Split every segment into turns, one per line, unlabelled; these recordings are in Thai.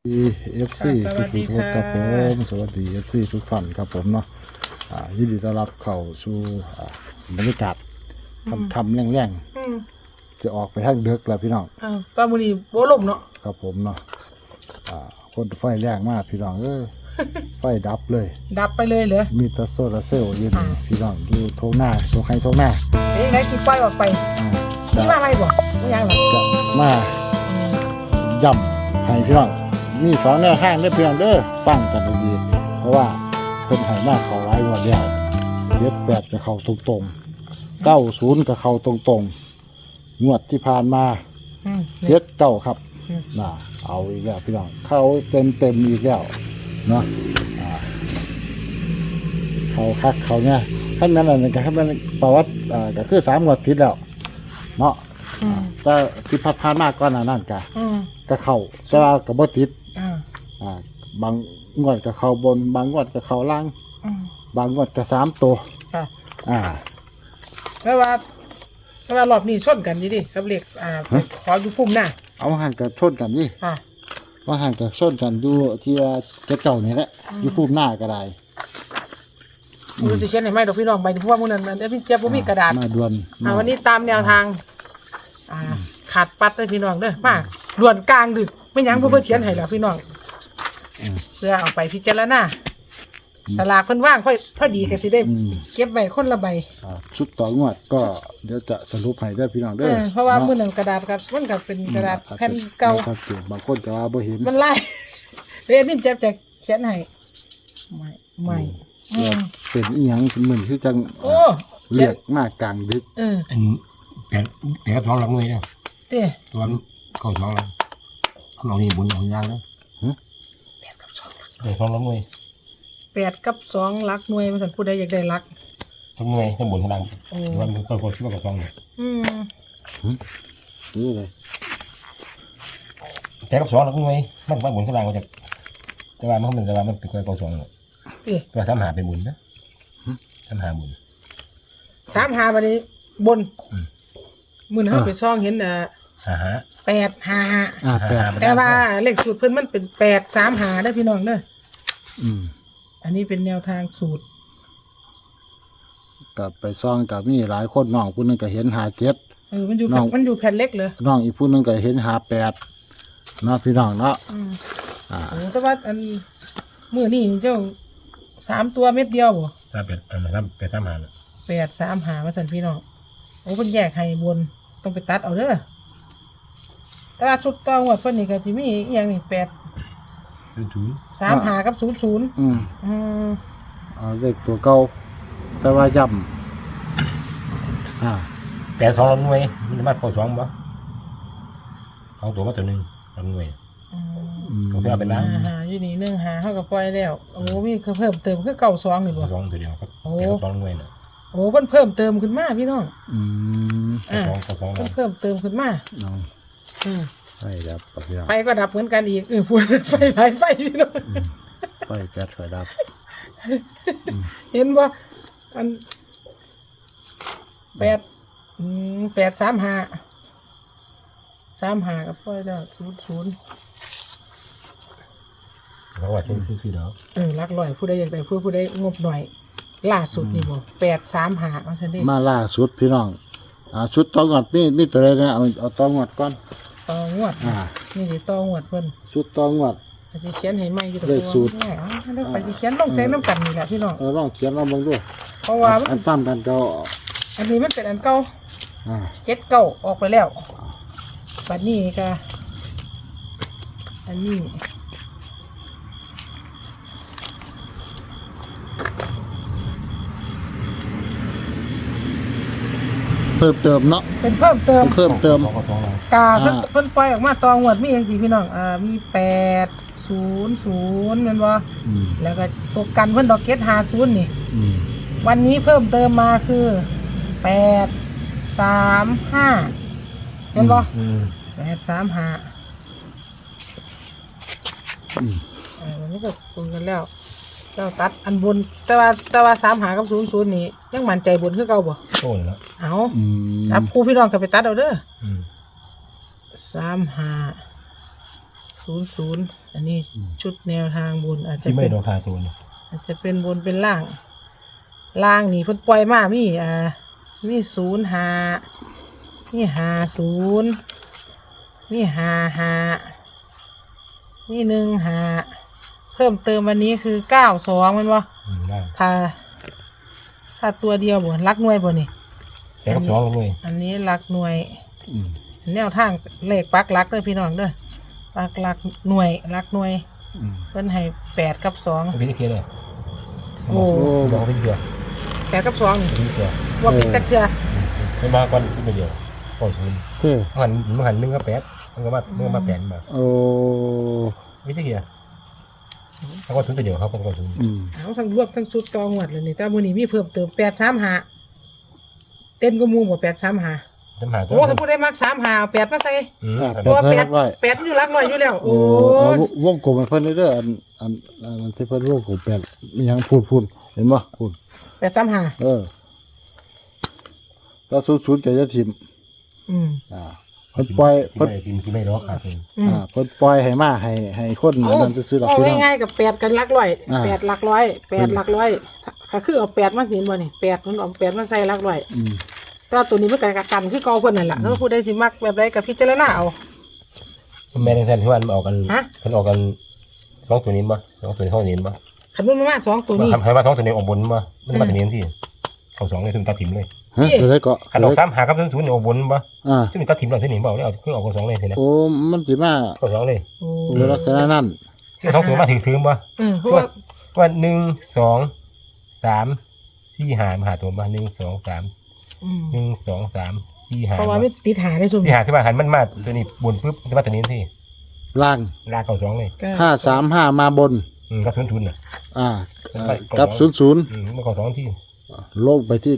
FC ทุกคนครับผมสวัสดี FC ทุกท่านครับผมเนาะยินดีต้อนรับเข้าสู่บรรยากาศคำแรงๆจะออกไปทางเดึกแล้วพี่น้อง
ตอนมื้อนี้บ่ลมเนาะ
ครับผมเนาะคนไฟแรงมากพี่น้องไฟดับเลย
ดับไปเลยเหรอ
มีแต่โซลาร์เซลล์อยู่นี่พี่น้องอยู่โถงหน้าตรงไห้โถงหน้า
ไหนกินไฟออกไปนี่มาอะไรบ่ไม่ยังหรอ
จะมาย่ำให้พี่น้องมีสองแนวทางเด้อพี่น้องเด้อฟังกันดีๆเพราะว่าเพิ่นให้มาเข้าหลายงวดแล้ว78ก็เข้าตรงๆ90ก็เข้าตรงๆงวดที่ผ่านมา79ครับเอาอีกแล้วพี่น้องเข้าเต็มอีกแล้วเนาะเขาคักเขาเนี่ยขั้นนั้นอะไรกันขั้นนั้นประวัติก็คือ3งวดติดแล้วเนาะแต่ที่ผ่านมาก่อนนั่นก็เข้าแต่ว่าก็บ่ติดบางงวดก็เข้าบนบางงวดก็เข้าล่างบางงวดก็3ตัว
แต่ว่ารอบนี้ชนกันดิครับเรียกขออยู่พุ่มหน้า
เอาหันกับชนกันนี่ว่าหันกับชนกันดูที่เจ้านี่แหละอยู่พุ่มหน้าก็ได้
มือสิเขียนให้ไหมดอกพี่น้องใบที่พวกมึงนั่นพี่เจี๊ยบมีกระดาษ
มาด่วน
วันนี้ตามแนวทางขาดปัดเลยพี่น้องเด้อมาด่วนกลางดึกไม่ยั้งเพื่อเขียนให้แล้วพี่น้องเพื่อเอาไปพิจารณาสลากเพิ่นว่างค่อยพอดีก็สิได้เก็บไว้คนละใบ
ชุดต่องวดก็เดี๋ยวจะสรุปให้ได้พี่น้องเด้อ
เพราะว่ามื้อนั้นกระดาษครับมันก็เป็นกระดาษแผ่นเก่า
บางคนจะว่าบ่เห็น
มันลายเดี๋ยวนี้จะเขียนให้ไม่
เป็นอีหยังเหมือนคือจังเรียกมากกลางดึก
แต่ท้องรับมือเนี่ยตัวเข้าท้องแล้วเรานี่บุญของยางแล้วแต่ท้องรับมือ
8 กับ 2หลักหน่วยมันสั่นผู้ใดอยากได้หลัก
ทั้งหน่วยทั้งบุญทั้งดังวันมันคนคิดว่ากับท้องเลย
นี่เลย
แต่กับ2หลักหน่วยมันบุญทั้งดังมาจากแต่ว่ามันเป็นคนกับ2เลยก็ทำหาเป็นบุญนะทำหาบุญ
3 บัดนี้บนมื้อนั้นไปซ่องเห็น855แต่ว่าเลขสูตรเพิ่นมันเป็น835ได้พี่น้องเด้ออันนี้เป็นแนวทางสูตร
กับไปซ่องกับมีหลายคนน้องผู้นึงก็เห็น57
มันอยู่แผ่นเล็กเลย
น้องอีกผู้นึงก็เห็น58เนาะพี่น้องเนาะ
แต่ว่าอันมื้อนี้เจ้า3ตัวเม็ดเดียวบ่835ว่าซั่นพี่น้องโอ้เพิ่นแยกให้บนต้องไปตัดเอาเด้อแต่ว่าชุดต่องวดเพิ่นนี่ก็สิมีอีหยังนี่35กับ00
เลขตัวเก่าแต่ว่าย่
ำแต่ท้องรับหน่วยมันมาเข้าท้องบ่เอาตัวมาตัวนึงรับหน่วยของที่เอาไปล้าง
อยู่นี่1 5เฮาก็ปล่อยแล้วโอ้มีเพิ่มเติมคือ92นี่บ่
2ตัวเดียวครับท้องหน่วยน่ะ
โอ้เพิ่นเพิ่มเติมขึ้นมาพี่น้อง
2
เพิ่มเติมขึ้นมา
ไฟดับพี่น้อง
ไฟก็ดับเหมือนกันอีกพูดไฟหลายไฟพี่น้อง
ไฟแก๊สไฟดับ
เห็นบ่อัน835กับไฟแล้ว00
แล้วว่าเช่นซื้อดอก
ลักลอยผู้ใดอยากได้ผู้ใดงบหน่อยล่าสุดนี่บ่835ว่าซั่นเด้
มาล่าสุดพี่น้องชุดต่องวดนี่ตัวใดนะเอาต่องวดก่อน
ต่องวดนี่สิต่องวดเพิ่น
ชุดต่องวด
สิเขียนให้ใหม่อยู่
เลขสูตร
แล้วไปสิเขียนลงแสงน้ำกันนี่แหละพี่น้อง
ลองเขียนลองเบิ่งดู
เพราะว่า
อันซ้ำกันเก่า
อันนี้มันเป็นอันเก่า79ออกไปแล้วบัดนี้ก็อันนี้
เพิ่มเติมเนาะ
เป็นเพิ่มเติมกาเพิ่นปล่อยออกมาตองวดมีอย่างสิพี่น้องมี800แม่นบ่แล้วก็ตัวกันเพิ่นดอกเก็ต50นี่วันนี้เพิ่มเติมมาคือ835เห็นบ่835วันนี้ก็คุยกันแล้วเจ้าตัดอันบนแต่ว่า35กับ00นี่ยังมั่นใจบนคือเก่าบ่
โอ้ยแล้ว
เอาจับคู่พี่น้องก็ไปตัดเอาเด้อ35 00อันนี้ชุดแนวทางบนอาจจะ
ที่ไม่
เป็น
โดนทาตัวนี่
อาจจะเป็นบนเป็นล่างนี่เพิ่นปล่อยมามีมี05มี50มี55มี15เพิ่มเติมวันนี้คือ92มันบ่
ได้
ถ้าตัวเดียวบ่รักหน่วยบ่นี่
แต่กับสองเลย
อันนี้รักหน่วย
อืม
แนวทางเลขปักรักเด้อพี่น้องเด้อปักรักหน่วยรักหน่วย
อืม
เพิ่นให้8กับ2
ไม่ได้เคลียร์เลย
โอ้
บอกไม่ได้เคลียร์
8กับ2นี่
ไม่ได้เคลียร์
ว่าเป็นจักเทื่อ
ไม่มาก่อนขึ้นไปเดียวก่อนศูนย์
เท่
มันหัน1กับ8มันก็มา8มา
โอ้
ไม่ได้เคลียร์เขาก็ศูนย์ไปเดียวเขาก็ศูนย์
อืม
เอาทั้งรวบทั้งสุดต่อหวดเลยนี่แต่มื้อนี้มีเพิ่มเติม835เต้นก็มูบ่835
จำหาตัว
โอ้ถ้าผู้ใดมัก35เอา8มาใส่
ตัวแปดร้อย
8อยู่หลักร้อยอยู่แล้ว
โอ้
โอ้
เอาวงกลมให้เพิ่นเด้ออันที่เพิ่นวงกลมแปดมีหยังพูดเห็นบ่พูด
835
แล้ว00ก็จะทิม
อืม
เพิ่นปล่อย
เพิ่
เพิ่
น
น
ที่ไม่รอขาดเอง
อืม
เพิ่นปล่อยให้มาให้คนอันนั้นซื่อๆดอก
เอา
พี่น้อง
ง่ายๆกับ8กันหลักร้อย
อ่า
8หลักร้อย8หลักร้อยก็คือเอา8มาเห็นบ่นี่8มันเอา8มาใส่หลักร้อย
อืม
แต่ว่าตัวนี้มันก็กันคือเก่าเพิ่นนั่นล่ะถ้าผู้ใดสิมักแบบใดก็พิจารณาเอา
แม่ในแทนที่ว่ามันออกกัน
ฮะ
มันออกกันสองตัวนี้มั้ยสองตัวนี้เข้านี้มั้ย
คันมันมา2ตัวนี้
ให้ว่าสองตัวนี้ออกบนมั้ยมันมาตัวนี้ที่เข้าสองเลยถึงตัดถิ่มเลย
ฮะตัวใดก็
ขันออก3หากับศูนย์ออกบนมั้ย
อ่า
ซึ่งตัดถิ่มเราที่นี่เปล่าเนี่ยเอาขึ้นออกสองเลยทีนะ
โอ้มันสิมา
เข้าสองเลย
โอ้
ในลักษณะนั้น
ที่สองตัวมาถือมั้ย
เพราะว่า
ว่า1 2 3 4 5มาหาตัวมา1 2 3
อืม
1 2 3 4
เพราะว่า
5
ไม่ติดหาได้ซุ่ม
ที่หาที่ว่าหันมันมาตัวนี้บนปุ๊บจะมาตัวนี้ที่
ล่าง
ลากเข้าสองเลย
535มาบน
ก็ทุนน่ะ
อ่ากับ00
มันเข้าสองที่
ลงไปที่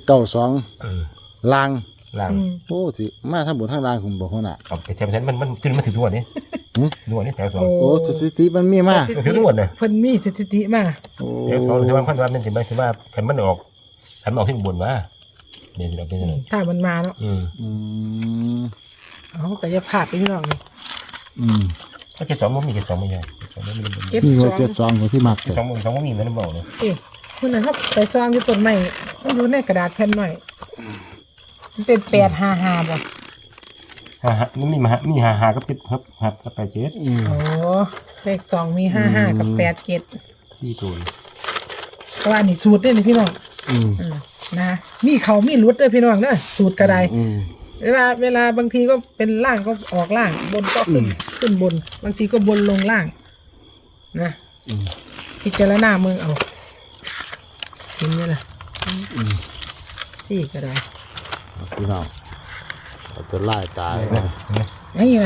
92ล่าง
ล่าง
อืม
โอ้สิมาทั้งบนทั้งล่างคุณบอกเขาน่ะ
เอาไปแทนมันจนมันถึงทุกวันนี้
หืม
ทุกวันนี้แถวสอง
โอ้สถิติมันมีมา
มันถึงทุกวันเลย
เพิ่นมีสถิติมา
โอ้
แถวสองถือว่าพันวันเป็นถึงว่าขันมันออกที่บนว่าเดี๋ยวเราเป็นยังไง
ถ้ามันมาเนาะ
อืม
เอาแต่อย่าพลาดไปพี่น้องนี่
อืม
ก็เจ็ดสองมันมีเจ็ดสองไม่ใช่สองไม่มี
เจ็ด
นี่
ส
ว่า
อง
72ของที่มักเลย
สองไม่มีมันบอกเลย
เอ๊ะคุณน่ะครับไปซองอยู่ต้นไม้มันอยู่ในกระดาษแผ่นหน่อยมันเป็น855บ่
มันมีหากับเจ็ดครับกับแปดเจ็ด
อืม
โอ้เลข2มี55กับ87
ที่ตัว
ก็ว่านี่สูตรเด้อนี่พี่น้อง
อืม
นะมีเขามีรุดเด้อพี่น้องเด้อสูตรกระได
อืม
เวลาบางทีก็เป็นล่างก็ออกล่าง บนก็ขึ้นบน บางทีก็บนลงล่าง นะ
อืม
พิจารณาเมืองเอาเห็นไหมล่ะสี่ก็ได้
พี่น้องเอาจะไล่ตายนะ
นี่ไง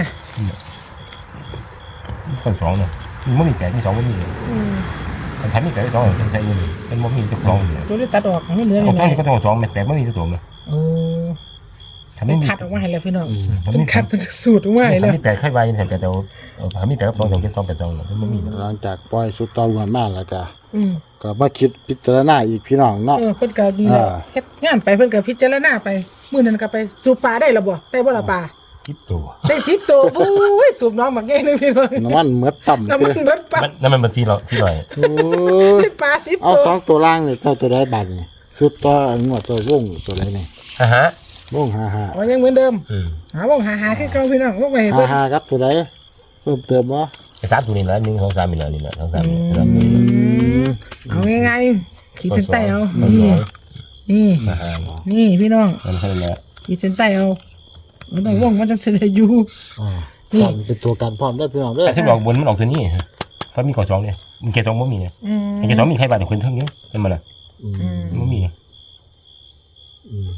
คนสองเนี่ยมันมีแปดมีสองมันมีมันทันมีแปดสองใช่ยังเป็นมันมีจะสองอยู่
ตัวนี้ตัดออกไม่เหลือ
เอา
เล
สอง
ย
นี่ก็ต้องสองแปดไม่มีตัวเลย
โอ้
ทันไม่มี
คัดออกมาให้แล้วพี่น้อง
ทัน
เป็น
ไม่
คัดเป็นสูตรออกมาให้
ทั
แล้
น
ว
มีแปดค่อยไว้ยังแต่เดี๋ยวทันมีแปดกับสองเจ็ดสองแปดสองเนี่ยมันมี
หลังจากปล่อยสุดตอวันมาแล้วก็
อืม
ก็มาคิดพิจารณาอีกพี่น้องเนาะ
เพิ่นก็ดีแล้วเฮ็ดงานไปเพิ่นก็พิจารณาไปมื้อนั้นก็ไปสูบปลาได้แล้วบ่ได้บ่ล่ะปลา
คิดตัว
ได้10ตัวโอ้ยสูบน้องบักแง่นึงพี่น้อง
น้ำมันเมือต่ำ
น้ำมันเบิดปลา
นั่นมันที่เราที่ลอย
โอ้ย
ได้ปลา10
เอา
ตัว
2ตัวล่างนี่เจ้าตัวใดบัดนี่สุดต่องวดตัววงตัวใดนี่
ฮะ
วง55
อ๋อยังเหมือนเดิม
อืม
หาบ่หาคือเก่าพี่น้องบ่ไปให้เบิ่ง
55ครับตัวใดเพิ่มเติมบ่
ไอ้สามตัวนี้แหละ1 2 3นี่แหละนี่แหละ2 3นี่
เอาง่ายๆขีดเส้นใต้เอานี่นี่พี่น้อง
มันแค่นั้นแหละ
ขีดเส้นใต้เอามันต้องว่องมันจะเสด็จอยู่
อ่า
นี่
พร้อมเป็นตัวกันพร้อมได้อพี่น้องเด้อ
แต่ที่บอกบนมันออกตัวนี้เพราะมีก่อสองเนี่ยมันแค่สองมันมีเนี่ย
อืม
ไอ้แค่สองมีใครบาดคนเท่านี้เป็นมันอ่ะ
อืม
มันมี
อืม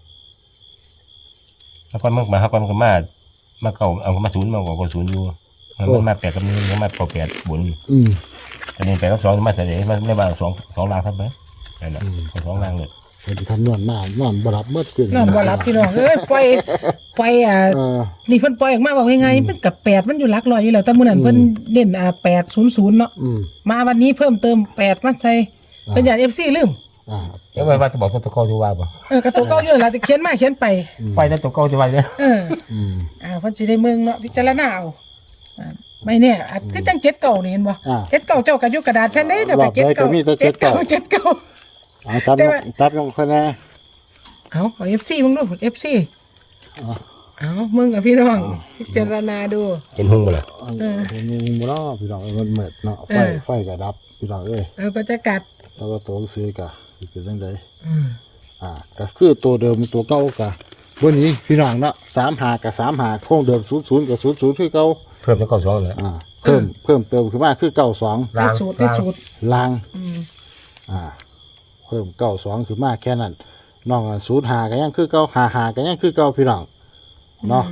แล้วก็มาเขาก็มาเก่าเอามาศูนย์มาก่อศูนย์อยู่มันมาแปดกับนึงมันมาก่อแปดบน
อืม
แต่เนี่ยแปดกับสองมาแต่เดี๋ยวมันไม่ว่าสองล่างทับไหมนั่นแหละสองล่างเลย
เป็นคำนวณมานอนบ่รับเมื่อคืน
นอนบ่รับพี่น้องเอ้ยปล่อย
เออ
นี่เพิ่นปล่อยออกมาบอกง่ายๆมันกับ8มันอยู่หลักร้อยอยู่แล้วแต่มื้อนั้นเพิ่นเล่น800เนาะ
อืม
มาวันนี้เพิ่มเติม8มาใส่เพิ่นอยาก FC ลืม
อ่า
แล้วว่าจะบอกตัวเก่าจะว่าป่ะ
กระตัวเก่าอยู่นั่นล่ะแต่เขียนมาเขียนไป
ไปแต่ตัวเก่าจะว่าเนี่ย
เออ
อืม
เพิ่นสิได้เมืองเนาะพิจารณาเอาไม่แน่อาจคือจังเจ็ดเก่านี่เห็นบ่
อ่า
เจ็ดเก่าเจ้ากระยุกกระดาษแผ่นได้เจ้าก็เจ็ด
รอบใดก็
เก่า
มีแต่เจ็ดเก้า
เจ็ดเก่า
เอาจับ
แต่ว่า
จับลงคะแนน
เอา FC มึงดู FC
อ๋อ
เอามึงกับพี่น้องพิจารณาดู
เห็นหุ้งบ่ล่ะ
มีบ่เนาะพี่น้องมันเหมิดเนาะไฟก็ดับพี่น้องเอ้ย
ก็จะกัด
แล้วก็ตัวซื้อกะสิเป็นจังไดก็คือตัวเดิมตัวเก่ากะวันนี้พี่น้องเนาะ35กับ35โครงเดิม00กับ00คือเก่า
เพิ่มจากเก้าสองแล้ว
เพิ่มเติมขึ้นมาคือ92
ได้สูตรได้สูตร
ลาง
อืม
เพิ่ม92ขึ้นมาแค่นั้นน้อง05ก็ยังคือเก่า55ก็ยังคือเก่าพี่น้องเนาะ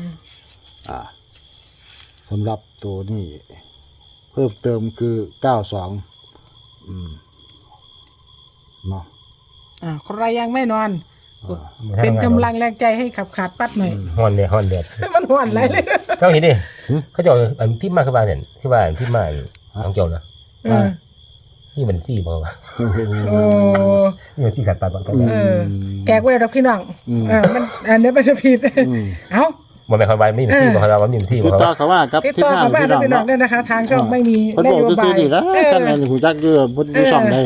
สำหรับตัวนี้เพิ่มเติมคือ92เนาะ
ใครยังไม่นอน เป็นกำลังแรงใจให้ขับขาดปัดหน่อย
ฮ้อนแดด
มันหวนไรเลย
เขาเห็นดิเขาจะอันที่มาคือว่าเนี่ยคือว่าที่มาของเจ้านะ นี่มันซี่บ่วะ
โอ้
นี่มันซี่ขัดตัดบ่กัน
แกกไว้ดอกพี่น้องมันอันนี้เป็นสปีดเอ้า
บ่แม่นคำว่านี่มันซี่บ่เราว่านี่มันซี่
ติ
บ่
ดต่อเขาว่ากับ
ติด
ที่
ต่อ
ทาง
กับบ้าน
พี่น้อง
พี่น้อง
เนาะ
ด้วยนะคะ ทางช่องไม่มี
เพิ่น
น
บอก
โย
จะ
บา
ซื้อย ดีแล้วกันแม่นหูจักอยู่เพิ่นมีช่องได้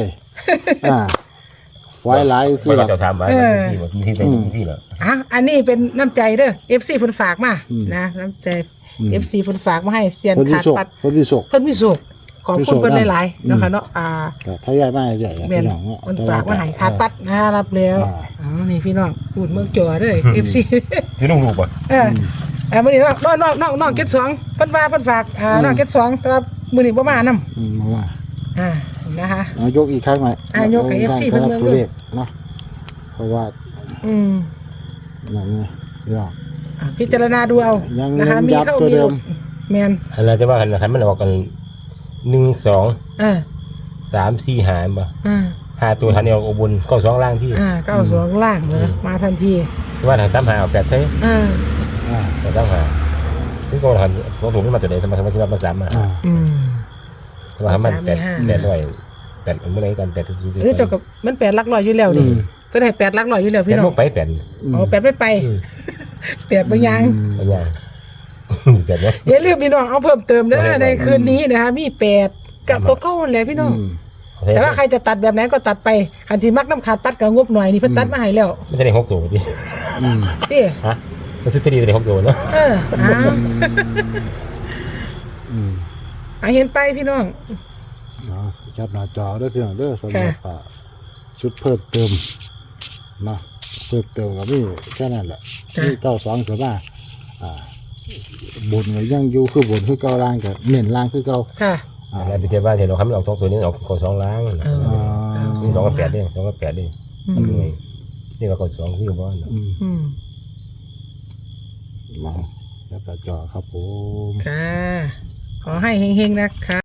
ไว้หลาย
บ่
ซื้อ
เรา
ล่ะ
จะถามว่ามันซี่บ่ที่เป็นซี่เหรอ
อันนี้เป็นน้ำใจเด้อ FC เพิ่นฝากมานะน้ำใจ FC เพิ่นฝากมาให้เซียน
เพิ่นมี
ขาด
โชค
ปัด
เพิ่นมีโชค
เพิ่นมีสุขขอบคุณเพิ่นหลายๆนะคะเนาะ
ก็ถ้าย้ายมาใหญ่
แม่น
พี่น้องเนาะ
มันฝากมาให้ขาดปัดนะรับแล้วนี่พี่น้องพูดเมืองจ่อเด้อ FC
อยู่นุ่งลูกบ่
มื้อนี้น้องเก็ต2เพิ่นว่าเพิ่นฝากน้องเก็ต2แต่ว่ามื้อนี้บ่มานำ
มาว่า
นะคะ
ยกอีกครั้งหน่อย
ยกให้ FC เพิ่นเบิ่ง
ตัวเลขเนาะเพราะว่า อย่างนี้พี่น้อง
พิจารณาดูเอา
ยัง
นะคะมี
ยับ
เข้า
ตัว
มี
เดิ
หลุ
ม
ดแม่น
อันนั้นจะว่าคันมันออกกัน1 2 3 4 5บ่5ตัวทันเอาอุบลเข้า2ล่างที่
92ล่างเลยมาทันที
ว่าทาง3 5เอา8เท่แต่3 5คือก็ทันบ่ถูกมาตัวใดสมัยที่ว่ามัน3มาว่ามัน8ด้วยแต่เมื่อไหร่กัน8
เจ้ากับมัน8หลักร้อยอยู่แล้วนี่ก็ได้8หลักร้อยอยู่แล้วพี่น้อง
ไป8
เอา8ไป8บ่ยัง
ไปยัง8เนาะ
อย่าลืมพี่น้องเอาเพิ่มเติมเด้อในคืนนี้นะคะมี8กับตัวเก่าแหละพี่น้องแต่ว่าใครจะตัดแบบไหนก็ตัดไปคันสิมักน้ำขาดตัดก็งบหน่อยนี่เพิ่นตัดมาให้แล้ว
ไม่ใช่6ตัวดิ
ติ
ฮะมันซื้อที่ได้6ตัวเนาะ
เห็นไปพี่น้อง
จับหน้าจอด้วยพี่น้องเด้อสำหรับชุดเพิ่มเติมเนาะเพิ่มเติมก็มีแค่นั้นแหละที่92คือว่าบนก็ยังอยู่คือบนคือเก่าล่างก็เน้นล่างคือเก่า
ค่ะ
แล้วไปเทียบว่าเดี๋ยวเราคำนวณ2ตัวนี้ออกก2ล้าง2กับ8นี่2กับ8นี่นี่ก็2คือบ่เนาะ
มาจับหน้าจอครับผม
ค่ะ ขอให้เฮงๆนะคะ